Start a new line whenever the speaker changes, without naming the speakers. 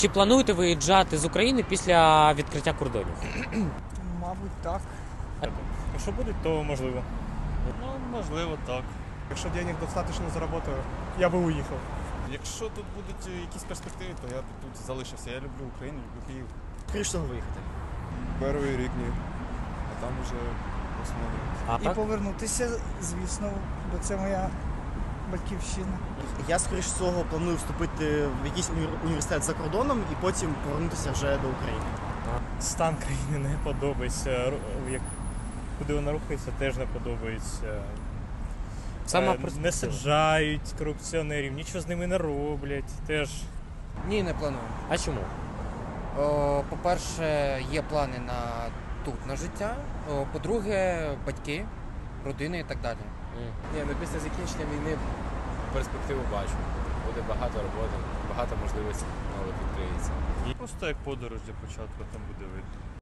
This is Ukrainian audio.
Чи плануєте виїжджати з України після відкриття кордонів?
Мабуть, так.
Якщо будуть, то можливо.
Ну, можливо, так.
Якщо денег достатньо заработаю, я би уїхав.
Якщо тут будуть якісь перспективи, то я б тут залишився. Я люблю Україну, люблю Київ.
Скоріше виїхати.
Перший рік ні. А там уже основний.
А
І
так?
повернутися, звісно, бо це моя батьківщина.
Я, скоріш всього, планую вступити в якийсь університет за кордоном і потім повернутися вже до України.
Стан країни не подобається. Куди вона рухається, теж не подобається.
Сама
Не
перспектива.
саджають корупціонерів, нічого з ними не роблять. Теж
Ні, не планую.
А чому?
По-перше, є плани на тут на життя. По-друге, батьки, родини і так далі.
Ні, ну після закінчення війни перспективу бачу. Буде багато роботи, багато можливостей нових відкриється.
Просто як подорож для початку, там буде видно.